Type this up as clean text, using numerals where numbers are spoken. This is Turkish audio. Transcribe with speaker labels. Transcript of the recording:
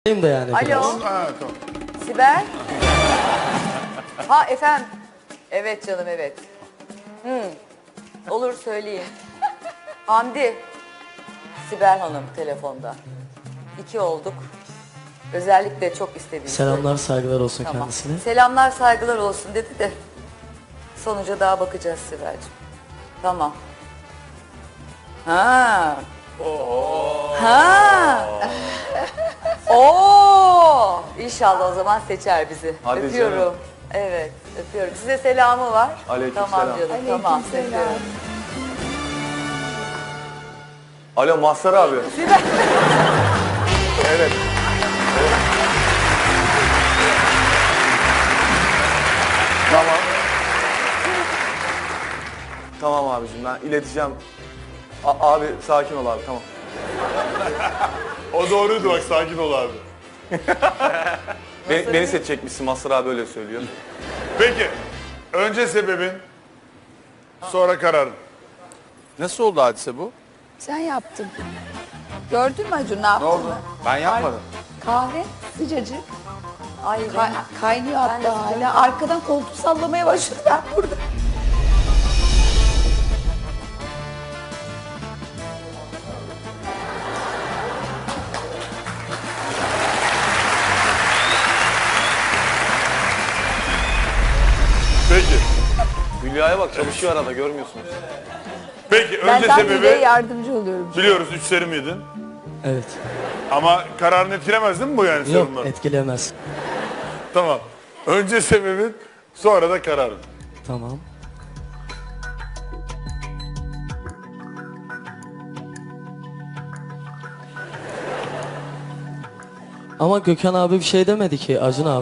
Speaker 1: Da yani
Speaker 2: Alo.
Speaker 1: biraz.
Speaker 3: Ha, tamam.
Speaker 2: Sibel. Ha efendim. Evet canım evet. Olur söyleyeyim. Hamdi. Sibel Hanım telefonda. 2 olduk. Özellikle çok istediğim.
Speaker 1: Selamlar, saygılar olsun
Speaker 2: Tamam.
Speaker 1: kendisine.
Speaker 2: Selamlar saygılar olsun dedi de. Sonuca daha bakacağız Sibel'cim. Tamam. Ha. Ha. Oo! İnşallah o zaman seçer bizi.
Speaker 4: Hadi
Speaker 2: öpüyorum.
Speaker 4: canım.
Speaker 2: Evet, öpüyorum. Size selamı var.
Speaker 4: Aleykümselam.
Speaker 2: Tamam canım, tamam. Öpüyorum.
Speaker 4: Alo Mazhar abi.
Speaker 2: Sibel.
Speaker 4: Evet. Tamam. Tamam abicim ben ileteceğim. Abi sakin ol abi tamam.
Speaker 3: O doğruydu bak, sakin ol abi.
Speaker 4: Beni seçecekmişsin Mazhar abi öyle söylüyor.
Speaker 3: Peki, önce sebebin, sonra kararın.
Speaker 4: Nasıl oldu hadise bu?
Speaker 5: Sen yaptın. Gördün mü Acun ne yaptın?
Speaker 4: Ne oldu? Ben yapmadım.
Speaker 5: Kahve sıcacık.
Speaker 2: Ay
Speaker 5: Kaynıyor
Speaker 2: Ben de
Speaker 5: hatta hala. Arkadan koltuğu sallamaya başladı ben burada.
Speaker 3: Peki,
Speaker 4: Hülya'ya bak çalışıyor arada görmüyorsunuz.
Speaker 3: peki
Speaker 5: Ben
Speaker 3: önce
Speaker 5: zaten Hülya'ya
Speaker 3: sebebi
Speaker 5: yardımcı oluyorum.
Speaker 3: biliyoruz 3 seri miydin?
Speaker 1: Evet.
Speaker 3: Ama kararını etkilemez değil mi bu yani
Speaker 1: Yok,
Speaker 3: sorunlar?
Speaker 1: etkilemez.
Speaker 3: Tamam. Önce sebebin, sonra da kararın.
Speaker 1: Tamam. Ama Gökhan abi bir şey demedi ki Acun abi.